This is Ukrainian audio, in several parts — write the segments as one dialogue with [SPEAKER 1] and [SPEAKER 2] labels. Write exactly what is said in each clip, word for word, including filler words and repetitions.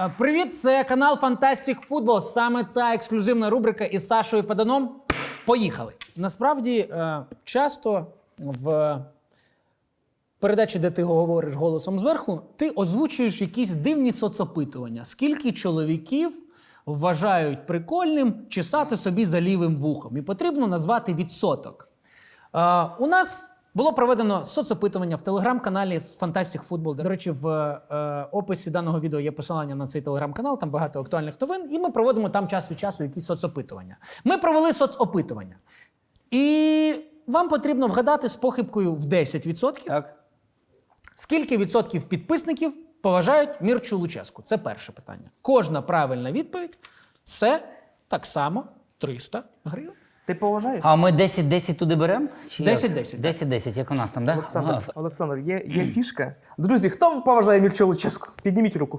[SPEAKER 1] Привіт, це канал Fantastic Football. Саме та ексклюзивна рубрика із Сашою Паданом. Поїхали. Насправді, часто в передачі, де ти говориш голосом зверху, ти озвучуєш якісь дивні соцопитування. Скільки чоловіків вважають прикольним чесати собі за лівим вухом? І потрібно назвати відсоток. У нас було проведено соцопитування в телеграм-каналі з Fantastic Football. До речі, в е, описі даного відео є посилання на цей телеграм-канал, там багато актуальних новин, і ми проводимо там час від часу якісь соцопитування. Ми провели соцопитування. І вам потрібно вгадати з похибкою в десять відсотків,
[SPEAKER 2] Так.
[SPEAKER 1] скільки відсотків підписників поважають Мірчу Луческу. Це перше питання. Кожна правильна відповідь – це так само триста гривень.
[SPEAKER 3] Ти поважаєш?
[SPEAKER 2] А ми десять десять туди беремо?
[SPEAKER 1] десять десять.
[SPEAKER 2] десять десять, як у нас там, так? Да?
[SPEAKER 3] Олександр,
[SPEAKER 2] Ага.
[SPEAKER 3] Олександр, є, є фішка. Друзі, хто поважає Мірчу Луческу? Підніміть руку.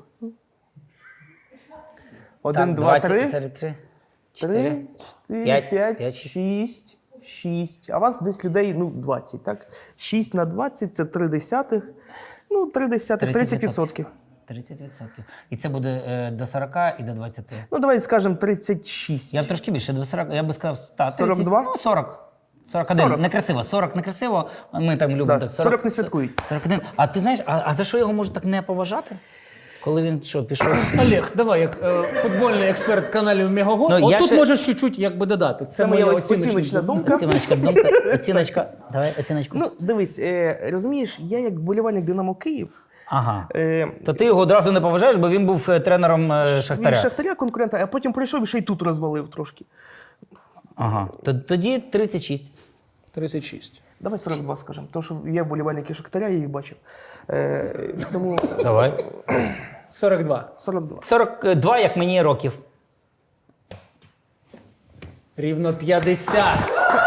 [SPEAKER 3] Один,
[SPEAKER 2] Так,
[SPEAKER 3] два,
[SPEAKER 2] двадцять,
[SPEAKER 3] три.
[SPEAKER 2] чотири,
[SPEAKER 3] Три,
[SPEAKER 2] чотири,
[SPEAKER 3] чотири,
[SPEAKER 2] п'ять,
[SPEAKER 3] п'ять,
[SPEAKER 2] п'ять,
[SPEAKER 3] шість, шість. А вас десь людей, ну, двадцять, так? шість на двадцять – це три десятих. Ну, три десятих, тридцять відсотків.
[SPEAKER 2] тридцять відсотків. І це буде е, до сорока і до двадцяти.
[SPEAKER 3] Ну, давайте скажемо тридцять шість.
[SPEAKER 2] Я б трошки більше, до сорока, я би сказав, та, тридцять,
[SPEAKER 3] сорок два?
[SPEAKER 2] Ну, сорок. сорок один.
[SPEAKER 3] сорок.
[SPEAKER 2] Некрасиво. сорок некрасиво. Ми там любимо
[SPEAKER 3] Да,
[SPEAKER 2] так.
[SPEAKER 3] сорок не святкують.
[SPEAKER 2] сорок один. А ти знаєш, а, а за що його можуть так не поважати? Коли він що, пішов?
[SPEAKER 1] Олег, давай, як е, футбольний експерт каналів Мегаго,
[SPEAKER 2] Ну, я
[SPEAKER 1] отут
[SPEAKER 2] ще-
[SPEAKER 1] можеш чуть-чуть якби додати. Це,
[SPEAKER 3] Це моя оціночна думка.
[SPEAKER 2] Оціночка, думка, оціночка. Давай оціночку.
[SPEAKER 3] Ну, дивись, е, розумієш, я як болівальник Динамо Київ,
[SPEAKER 2] Ага.
[SPEAKER 3] е,
[SPEAKER 2] То ти його одразу не поважаєш, бо він був е, тренером е,
[SPEAKER 3] він
[SPEAKER 2] Шахтаря.
[SPEAKER 3] Шахтаря конкурента, а потім прийшов і ще й тут розвалив трошки.
[SPEAKER 2] Ага. Т- Тоді тридцять шість.
[SPEAKER 1] тридцять шість.
[SPEAKER 3] Давай сорок два скажемо, тому що є болівальники Шахтаря, я їх бачив. Е, тому
[SPEAKER 2] Давай.
[SPEAKER 1] сорок два.
[SPEAKER 3] сорок два.
[SPEAKER 2] сорок два, як мені років.
[SPEAKER 1] Рівно п'ятдесят.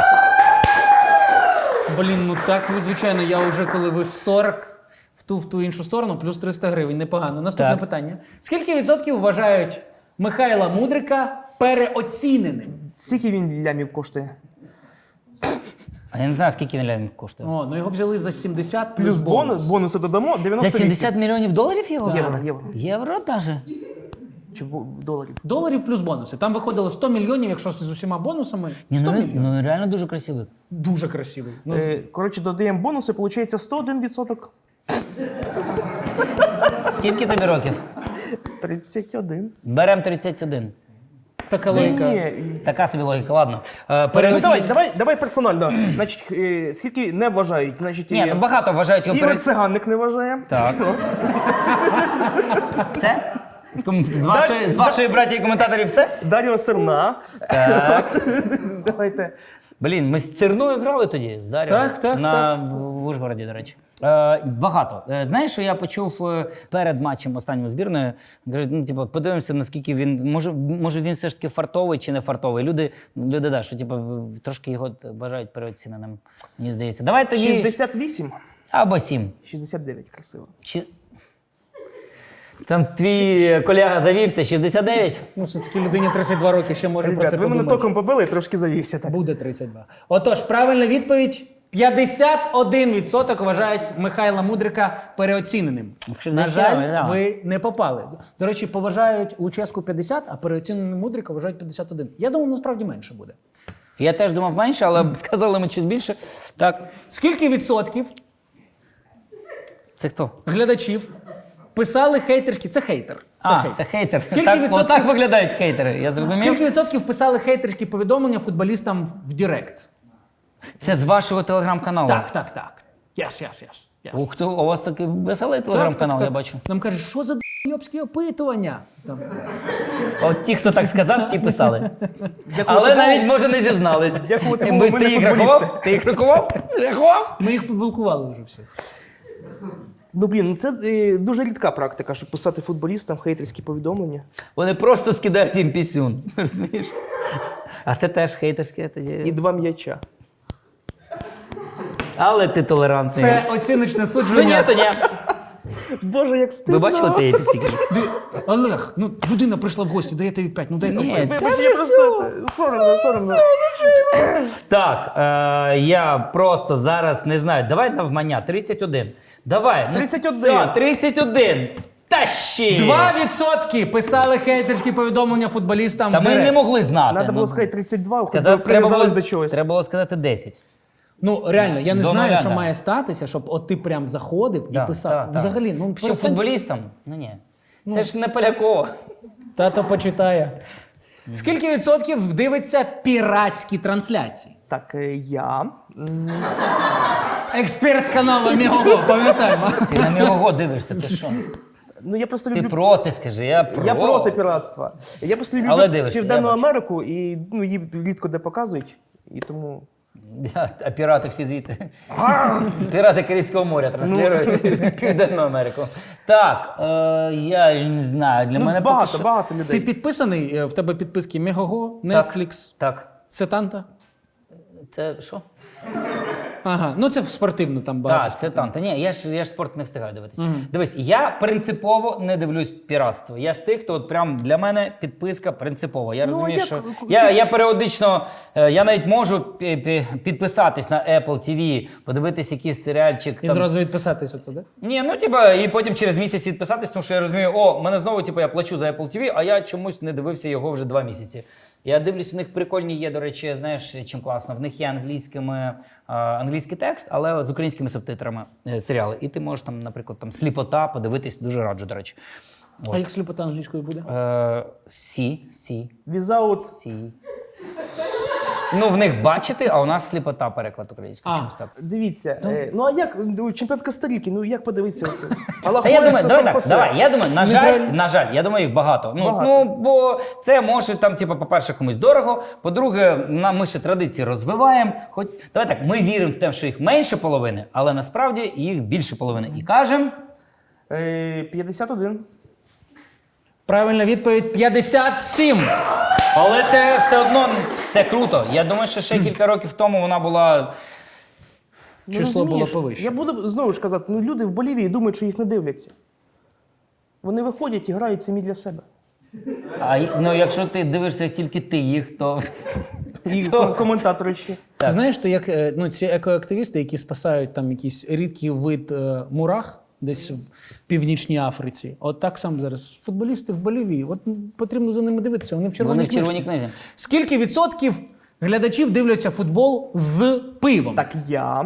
[SPEAKER 1] Блін, ну так ви, звичайно, я вже коли ви сорок в ту, в ту іншу сторону, плюс триста гривень. Непогано. Наступне
[SPEAKER 2] Так.
[SPEAKER 1] питання. Скільки відсотків вважають Михайла Мудрика переоціненим?
[SPEAKER 3] Скільки він лямів коштує?
[SPEAKER 2] А я не знаю, скільки він лямів коштує.
[SPEAKER 1] О, ну його взяли за сімдесят плюс,
[SPEAKER 3] Плюс бонус,
[SPEAKER 1] бонус.
[SPEAKER 3] бонуси додамо,
[SPEAKER 2] За
[SPEAKER 3] дев'яносто вісім.
[SPEAKER 2] сімдесят мільйонів доларів його?
[SPEAKER 3] Євро,
[SPEAKER 2] взяли?
[SPEAKER 3] євро.
[SPEAKER 2] Євро даже?
[SPEAKER 3] Чи бо- доларів?
[SPEAKER 1] Доларів плюс бонуси. Там виходило сто мільйонів, якщо з усіма бонусами.
[SPEAKER 2] Ні,
[SPEAKER 1] сто
[SPEAKER 2] ну,
[SPEAKER 1] мільйонів.
[SPEAKER 2] ну реально дуже красивий.
[SPEAKER 1] Дуже красивий. Ну,
[SPEAKER 3] Е, коротше, додаємо бонуси, виходить сто один відсоток.
[SPEAKER 2] Скільки тобі років?
[SPEAKER 3] тридцять один.
[SPEAKER 2] Берем тридцять один.
[SPEAKER 1] така
[SPEAKER 3] Ні,
[SPEAKER 1] логіка.
[SPEAKER 3] ні.
[SPEAKER 2] Така собі логіка, ладно. Е,
[SPEAKER 3] Ну,
[SPEAKER 2] перед...
[SPEAKER 3] давай, давай, давай персонально. Значить, е, скільки не вважають? Значить,
[SPEAKER 2] Ні,
[SPEAKER 3] е,
[SPEAKER 2] ну багато вважають його
[SPEAKER 3] Ігор
[SPEAKER 2] перед...
[SPEAKER 3] Циганник не вважає.
[SPEAKER 2] Так. Все? З, ком... з вашої, з вашої братії коментаторів все?
[SPEAKER 3] Дар'я Серна.
[SPEAKER 2] Так.
[SPEAKER 3] Давайте.
[SPEAKER 2] Блін, ми з Цирною грали тоді, з Дар'єю.
[SPEAKER 1] Так, так,
[SPEAKER 2] На... В Ужгороді, до речі. Е, багато. Е, знаєш, що я почув е, перед матчем останньої збірної? Кажуть, ну, типу, подивимося, наскільки він, може, може він все ж таки фартовий чи не фартовий. Люди, люди да, що типу, трошки його вважають переоціненим, мені здається. Давай тоді...
[SPEAKER 3] шістдесят вісім.
[SPEAKER 2] Або сім.
[SPEAKER 3] шістдесят дев'ять, красиво.
[SPEAKER 2] Чи... Там твій колега завівся, шістдесят дев'ять.
[SPEAKER 1] Ну, все-таки людині тридцять два роки ще може про
[SPEAKER 3] Ребят,
[SPEAKER 1] це
[SPEAKER 3] ви мене
[SPEAKER 1] подумати.
[SPEAKER 3] током побили, трошки завівся. Так.
[SPEAKER 1] Буде тридцять два. Отож, правильна відповідь. п'ятдесят один відсоток вважають Михайла Мудрика переоціненим.
[SPEAKER 2] Взагалі,
[SPEAKER 1] На
[SPEAKER 2] не
[SPEAKER 1] жаль,
[SPEAKER 2] цікаво, да.
[SPEAKER 1] ви не попали. До речі, поважають Луческу п'ятдесят, а переоціненим Мудрика вважають п'ятдесят один. Я думаю, насправді менше буде.
[SPEAKER 2] Я теж думав менше, але сказали ми щось більше. Так,
[SPEAKER 1] Скільки відсотків
[SPEAKER 2] це хто?
[SPEAKER 1] глядачів писали хейтерські? Це хейтер. Це
[SPEAKER 2] а,
[SPEAKER 1] хейтер.
[SPEAKER 2] це хейтер.
[SPEAKER 1] Скільки
[SPEAKER 2] так,
[SPEAKER 1] відсотків-
[SPEAKER 2] отак виглядають хейтери, я зрозумів.
[SPEAKER 1] Скільки відсотків писали хейтерські повідомлення футболістам в Директ?
[SPEAKER 2] Це з вашого телеграм-каналу?
[SPEAKER 1] Так, так, так. Yes, yes, yes. yes.
[SPEAKER 2] Ух ти, у вас такий веселий телеграм-канал, я бачу.
[SPEAKER 1] Нам кажуть, що за йобські опитування? Там.
[SPEAKER 2] От ті, хто так сказав, ті писали.
[SPEAKER 3] Дякую
[SPEAKER 2] Але
[SPEAKER 3] такому-
[SPEAKER 2] навіть, може, не зізнались.
[SPEAKER 3] Дякую
[SPEAKER 2] Ми-
[SPEAKER 3] такому, ми
[SPEAKER 2] Ти
[SPEAKER 3] не
[SPEAKER 2] їх
[SPEAKER 3] футболісти.
[SPEAKER 2] рахував? Ти їх рахував? Рахував?
[SPEAKER 1] Ми їх поблокували вже всіх.
[SPEAKER 3] Ну, блін, ну це е, дуже рідка практика, щоб писати футболістам хейтерські повідомлення.
[SPEAKER 2] Вони просто скидають їм пісюн. Розумієш? А це теж хейтерське
[SPEAKER 3] І
[SPEAKER 2] тоді.
[SPEAKER 3] два м'яча.
[SPEAKER 2] Але ти толерантний.
[SPEAKER 1] Це оціночне
[SPEAKER 2] То ні,
[SPEAKER 1] судження.
[SPEAKER 2] то ні.
[SPEAKER 3] Боже, як стидно.
[SPEAKER 2] Ви бачили цей епіцік?
[SPEAKER 1] Ди- Олег, ну людина прийшла в гості, дає тобі п'ять, ну дай
[SPEAKER 2] Ні,
[SPEAKER 1] попити.
[SPEAKER 3] Вибач,
[SPEAKER 2] та
[SPEAKER 3] я
[SPEAKER 2] ви
[SPEAKER 3] просто е, соромно, соромно.
[SPEAKER 2] Так, е, я просто зараз не знаю. Давай навмання, тридцять один. Давай. ну,
[SPEAKER 3] тридцять один.
[SPEAKER 2] все, тридцять один. Та ще!
[SPEAKER 1] Два відсотки писали хейтерські повідомлення футболістам.
[SPEAKER 2] Та
[SPEAKER 1] в
[SPEAKER 2] ми
[SPEAKER 1] директ.
[SPEAKER 2] не могли знати.
[SPEAKER 3] Треба було
[SPEAKER 2] Ну,
[SPEAKER 3] сказати тридцять два, хоч
[SPEAKER 2] сказати,
[SPEAKER 3] би
[SPEAKER 2] треба,
[SPEAKER 3] прив'язались
[SPEAKER 2] було,
[SPEAKER 3] до чогось.
[SPEAKER 2] треба було сказати десять.
[SPEAKER 1] Ну реально, я не
[SPEAKER 2] До
[SPEAKER 1] знаю,
[SPEAKER 2] нуля,
[SPEAKER 1] що
[SPEAKER 2] да.
[SPEAKER 1] має статися, щоб от ти прям заходив
[SPEAKER 2] Да,
[SPEAKER 1] і писав.
[SPEAKER 2] да, да.
[SPEAKER 1] Взагалі, ну
[SPEAKER 2] Що
[SPEAKER 1] перестань-
[SPEAKER 2] футболістам? Ну ні. Це ж не Полякова.
[SPEAKER 1] Тато почитає. Скільки відсотків дивиться піратські трансляції?
[SPEAKER 3] Так, е, я. м,
[SPEAKER 1] Експерт каналу Мігого, пам'ятаємо.
[SPEAKER 2] Ти на Мігого дивишся, ти що?
[SPEAKER 3] Ну я просто
[SPEAKER 2] Ти
[SPEAKER 3] люблю.
[SPEAKER 2] проти, скажи, я проти.
[SPEAKER 3] Я проти піратства. Я просто люблю
[SPEAKER 2] Але дивишся,
[SPEAKER 3] Південну
[SPEAKER 2] я бачу.
[SPEAKER 3] Америку і ну, її рідко де показують. І тому.
[SPEAKER 2] Я- А пірати всі звідти. Пірати Карибського моря транслюють
[SPEAKER 3] Ну.
[SPEAKER 2] в Південну Америку. Так, е, я не знаю, для
[SPEAKER 3] Ну,
[SPEAKER 2] мене
[SPEAKER 3] багато,
[SPEAKER 2] поки що...
[SPEAKER 3] багато
[SPEAKER 1] Ти
[SPEAKER 3] людей.
[SPEAKER 1] підписаний? е, В тебе підписки Мегого,
[SPEAKER 2] Так,
[SPEAKER 1] Netflix,
[SPEAKER 2] Так,
[SPEAKER 1] Сетанта?
[SPEAKER 2] це що?
[SPEAKER 1] Ага, ну це в спортивну там багато.
[SPEAKER 2] Так, це там. Та ні, я ж, я ж спорт не встигаю дивитися. Дивись, я принципово не дивлюсь піратство. Я з тих, хто от прям для мене підписка принципова. Я
[SPEAKER 3] Ну,
[SPEAKER 2] розумію,
[SPEAKER 3] як-
[SPEAKER 2] що
[SPEAKER 3] чи-
[SPEAKER 2] я, я періодично, е, я навіть можу пі- пі- підписатись на Apple ті ві, подивитись якийсь серіальчик.
[SPEAKER 1] І
[SPEAKER 2] там.
[SPEAKER 1] зразу відписатись оце, да?
[SPEAKER 2] Ні, ну типа, і потім через місяць відписатись, тому що я розумію, о, мене знову, типу, я плачу за Apple ті ві, а я чомусь не дивився його вже два місяці. Я дивлюсь, у них прикольні є, до речі, знаєш, чим класно. В них є англійськими, а, англійський текст, але з українськими субтитрами е, серіали. І ти можеш там, наприклад, там сліпота подивитись, дуже раджу, до речі.
[SPEAKER 1] А як сліпота англійською буде?
[SPEAKER 2] Е, Сі, сі,
[SPEAKER 3] Візаут.
[SPEAKER 2] сі. Ну, в них бачити, а у нас сліпота переклад українською.
[SPEAKER 1] А.
[SPEAKER 2] Чомусь так.
[SPEAKER 3] Дивіться. е, Ну а як ну, чемпіонат Коста-Ріки, ну як подивитися оце?
[SPEAKER 2] Та я думаю, давай так,
[SPEAKER 3] Сан-Хосе.
[SPEAKER 2] давай, я думаю, на жаль,
[SPEAKER 1] Неправильно.
[SPEAKER 2] на жаль, я думаю, їх багато. Ну,
[SPEAKER 3] Багато.
[SPEAKER 2] ну бо це може там, типу, по-перше, комусь дорого. По-друге, нам ми ще традиції розвиваємо. Хоч давай так, ми віримо в те, що їх менше половини, але насправді їх більше половини. І кажемо,
[SPEAKER 3] Е, п'ятдесят один.
[SPEAKER 1] Правильна відповідь п'ятдесят сім.
[SPEAKER 2] але це все одно це круто. Я думаю, що ще кілька років тому вона була.
[SPEAKER 3] Ну,
[SPEAKER 1] Число було
[SPEAKER 3] розумієш,
[SPEAKER 1] повище.
[SPEAKER 3] Я буду знову ж казати, ну люди в Болівії думають, що їх не дивляться. Вони виходять і грають самі для себе.
[SPEAKER 2] А й- ну, якщо ти дивишся тільки ти їх, то
[SPEAKER 3] І ком- коментатори ще.
[SPEAKER 1] Ти знаєш, що як е, ну, ці екоактивісти, які спасають там якийсь рідкий вид е, мурах десь в Північній Африці, от так само зараз футболісти в Болівії, от м, потрібно за ними дивитися, вони в червоній
[SPEAKER 2] вони в червоній
[SPEAKER 1] книжці.
[SPEAKER 2] книзі.
[SPEAKER 1] Скільки відсотків глядачів дивляться футбол з пивом?
[SPEAKER 3] Так я.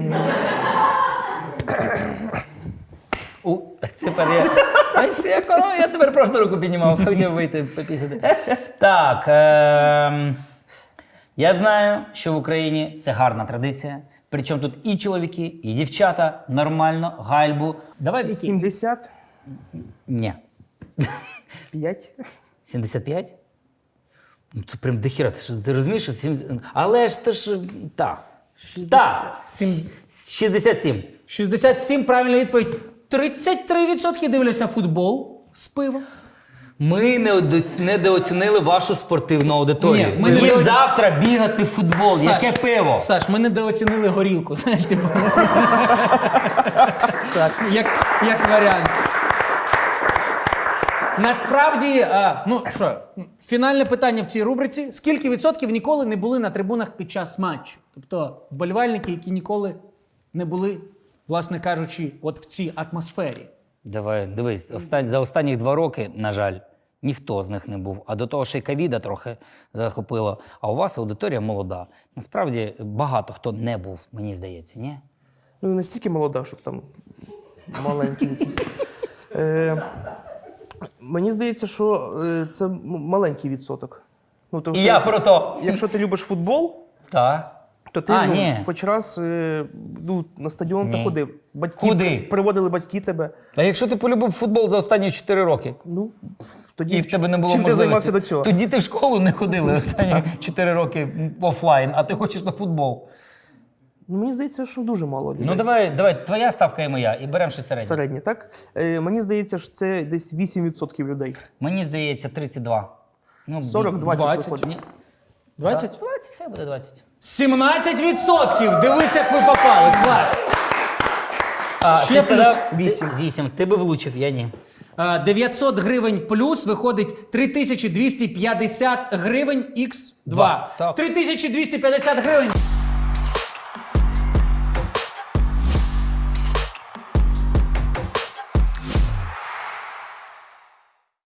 [SPEAKER 2] У, тепер я. Знаєш, я, коли- я тепер просто руку піднімав, хотів вийти попісити. Так. Е- я знаю, що в Україні це гарна традиція. Причому тут і чоловіки, і дівчата нормально, гальбу. Давай Вікі.
[SPEAKER 3] сімдесят
[SPEAKER 2] Ні.
[SPEAKER 3] п'ять.
[SPEAKER 2] сімдесят п'ять? Ну це прям дохіра. Ти, що, ти розумієш, що сімдесят... Але ж ти ж. Так. Так.
[SPEAKER 1] Сім-
[SPEAKER 2] шістдесят сім.
[SPEAKER 1] шістдесят сім, правильна відповідь. тридцять три відсотки дивляться футбол з пивом.
[SPEAKER 2] Ми недо- недооцінили вашу спортивну аудиторію.
[SPEAKER 1] Ні, ми
[SPEAKER 2] Їм
[SPEAKER 1] недо-
[SPEAKER 2] завтра бігати в футбол.
[SPEAKER 1] Саш,
[SPEAKER 2] Яке пиво?
[SPEAKER 1] Саш, ми недооцінили горілку, знаєш, типу. Так, як, як варіант. Насправді, а, ну що, фінальне питання в цій рубриці. Скільки відсотків ніколи не були на трибунах під час матчу? Тобто вболівальники, які ніколи не були, власне кажучи, от в цій атмосфері.
[SPEAKER 2] Давай, дивись, остань, за останні два роки, на жаль, ніхто з них не був. А до того ще й ковіда трохи захопило. А у вас аудиторія молода. Насправді багато хто не був, мені здається, ні?
[SPEAKER 3] Ну, не настільки молода, щоб там маленькі якісь. Е, мені здається, що е, це м- маленький відсоток. Ну, тому
[SPEAKER 2] І
[SPEAKER 3] що
[SPEAKER 2] я про то.
[SPEAKER 3] Якщо ти любиш футбол,
[SPEAKER 2] Так.
[SPEAKER 3] то ти
[SPEAKER 2] А,
[SPEAKER 3] ну,
[SPEAKER 2] ні.
[SPEAKER 3] хоч раз е, ну, на стадіон
[SPEAKER 2] Ні.
[SPEAKER 3] та ходив. Батьки
[SPEAKER 2] Куди?
[SPEAKER 3] приводили батьки тебе.
[SPEAKER 2] А якщо ти полюбив футбол за останні чотири роки?
[SPEAKER 3] Ну, тоді
[SPEAKER 2] І в тебе не було
[SPEAKER 3] чим ти
[SPEAKER 2] можливості.
[SPEAKER 3] займався до цього?
[SPEAKER 2] Тоді ти в школу не ходили останні чотири роки офлайн, а ти хочеш на футбол.
[SPEAKER 3] Ну, мені здається, що дуже мало людей.
[SPEAKER 2] Ну давай, давай, твоя ставка і моя, і беремо ще середню.
[SPEAKER 3] Середнє, так? Е, мені здається, що це десь вісім відсотків людей.
[SPEAKER 2] Мені здається, тридцять два. Ну,
[SPEAKER 3] сорок двадцять
[SPEAKER 1] двадцять.
[SPEAKER 3] виходить.
[SPEAKER 2] Ні.
[SPEAKER 1] двадцять?
[SPEAKER 2] двадцять, хай буде двадцять.
[SPEAKER 1] сімнадцять відсотків! Дивись, як ви попали! Клас!
[SPEAKER 2] А,
[SPEAKER 1] Ще
[SPEAKER 2] ти
[SPEAKER 1] плюс
[SPEAKER 2] сказав
[SPEAKER 3] вісім.
[SPEAKER 2] ти- вісім. Ти би влучив, я ні.
[SPEAKER 1] А, дев'ятсот гривень плюс виходить три тисячі двісті п'ятдесят гривень ікс два.
[SPEAKER 2] Так.
[SPEAKER 1] три тисячі двісті п'ятдесят гривень.